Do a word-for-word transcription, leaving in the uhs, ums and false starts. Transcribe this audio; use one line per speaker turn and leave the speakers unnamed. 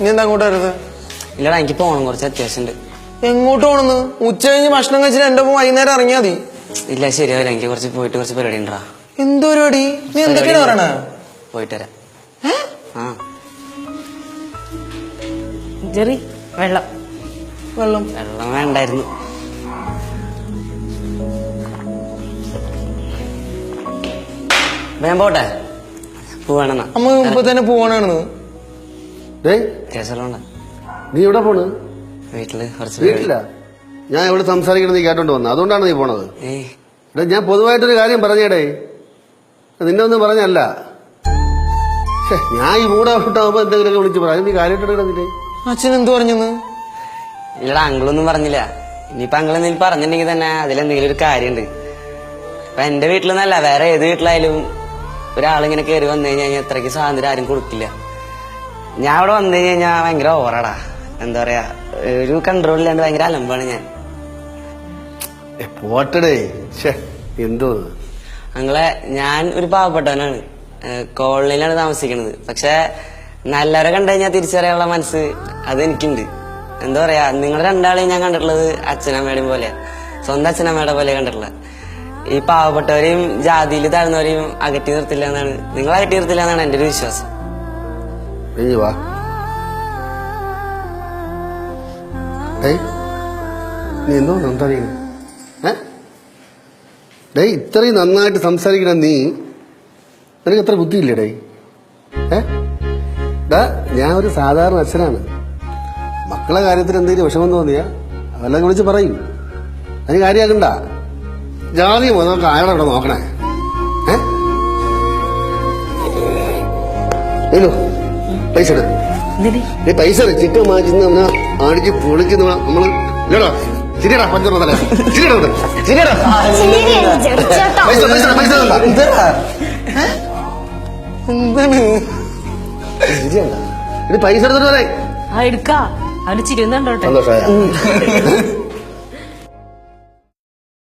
നീ എന്താ അങ്ങോട്ട് വരുന്നത്?
ഇല്ലടാ എനിക്ക് പോകണം, കുറച്ച് അത്യാവശ്യമുണ്ട്.
എങ്ങോട്ട് പോണെന്ന്? ഉച്ച കഴിഞ്ഞ് ഭക്ഷണം കഴിച്ചിട്ട് എന്റെ ഒപ്പം വൈകുന്നേരം ഇറങ്ങിയാ മതി.
ഇല്ല ശരിയാവില്ല, എനിക്ക് കുറച്ച് പോയിട്ട് കുറച്ച് പരിപാടി ഉണ്ടാ.
എന്ത് പരിപാടി? നീ എന്തൊക്കെയാണ് പറയണേ?
പോയിട്ട് വരാം. ആ
ജെറി, വെള്ളം
വെള്ളം
വെള്ളം വേണ്ടായിരുന്നു. ഞാൻ പോട്ടെ, പോവാണെന്നാ.
അമ്മ ഇപ്പൊ തന്നെ പോവാണെന്ന്.
കേസലുണ്ട്.
നീ എവിടെ പോണ്?
വീട്ടില് കുറച്ച്
വീട്ടില്ല. ഞാൻ ഇവിടെ സംസാരിക്കണം നീ കേട്ടോണ്ട് വന്നത്, അതുകൊണ്ടാണ് നീ പോണത്.
ഏയ്
എടാ ഞാൻ പൊതുവായിട്ടൊരു കാര്യം പറഞ്ഞേടേ, നിന്നെ ഒന്നും പറഞ്ഞല്ല. ഞാൻ ഈ മൂടെ ഔട്ടാകുമ്പോ എന്തെങ്കിലുമൊക്കെ വിളിച്ച് പറയാം. നീ കാര്യമായിട്ടെടുക്കണില്ലേ?
അച്ഛൻ എന്ത് പറഞ്ഞെന്ന്?
ഇല്ലടാ അങ്കിളൊന്നും പറഞ്ഞില്ല. ഇനിയിപ്പൊ അങ്കിൾ എന്തെങ്കിലും പറഞ്ഞിട്ടുണ്ടെങ്കിൽ തന്നെ അതിലെന്തെങ്കിലും ഒരു കാര്യമുണ്ട്. ഇപ്പൊ എന്റെ വീട്ടിലെന്നല്ല, വേറെ ഏത് വീട്ടിലായാലും ഒരാളിങ്ങനെ കയറി വന്നു കഴിഞ്ഞാൽ അത്രയ്ക്ക് സ്വാതന്ത്ര്യം ആരും കൊടുക്കില്ല. ഞാൻ അവിടെ വന്നു കഴിഞ്ഞാൽ ഭയങ്കര ഓവറാടാ. എന്താ പറയാ, ഒരു കൺട്രോൾ ഇല്ലാണ്ട് ഭയങ്കര അലമ്പാണ് ഞാൻ.
പോട്ടടേ, എന്തോ
അങ്ങളെ, ഞാൻ ഒരു പാവപ്പെട്ടവനാണ്, കോളനിയിലാണ് താമസിക്കുന്നത്. പക്ഷെ നല്ലവരെ കണ്ടു കഴിഞ്ഞാൽ തിരിച്ചറിയാനുള്ള മനസ്സ് അതെനിക്കുണ്ട്. എന്താ പറയാ, നിങ്ങൾ രണ്ടാളെയും ഞാൻ കണ്ടിട്ടുള്ളത് അച്ഛനമ്മയുടെയും പോലെയാ, സ്വന്തം അച്ഛനമ്മയുടെ പോലെ കണ്ടിട്ടുള്ളത്. ഈ പാവപ്പെട്ടവരെയും ജാതിയിൽ താഴ്ന്നവരെയും അകറ്റി നിർത്തില്ല എന്നാണ്, നിങ്ങൾ അകറ്റി നിർത്തില്ല എന്നാണ് എന്റെ ഒരു വിശ്വാസം.
വാ നീ എന്തോ സംസാരിക്കണം? ഡേ ഇത്രയും നന്നായിട്ട് സംസാരിക്കണം നീ, നിനക്ക് എത്ര ബുദ്ധിയില്ലേ ഡേ? ഏ ഞാൻ ഒരു സാധാരണ അച്ഛനാണ്. മക്കളെ കാര്യത്തിൽ എന്തെങ്കിലും വിഷമം തോന്നിയാ അതെല്ലാം വിളിച്ച് പറയും. അതിന് കാര്യമാക്കണ്ട. ജാതി നമുക്ക് അയാളെ ഇവിടെ നോക്കണേ. ഏലോ പൈസ എടു, പൈസ ചിക്കൻ വാങ്ങിച്ച് അവനെ അടിച്ച് പൊളിക്കുന്ന നമ്മള് ഇല്ലടാ. ശരിയടാ പഞ്ചറ തല ശരിയടാ ശരിയടാ പൈസ പൈസ പൈസ
എന്താണ്
ശരിയല്ല. ഇത് പൈസ എടുത്തിട്ട് പറയാം.
എടുക്കാ, അവന് ചിരിയുന്നുണ്ടോട്ടെ.
സന്തോഷമായ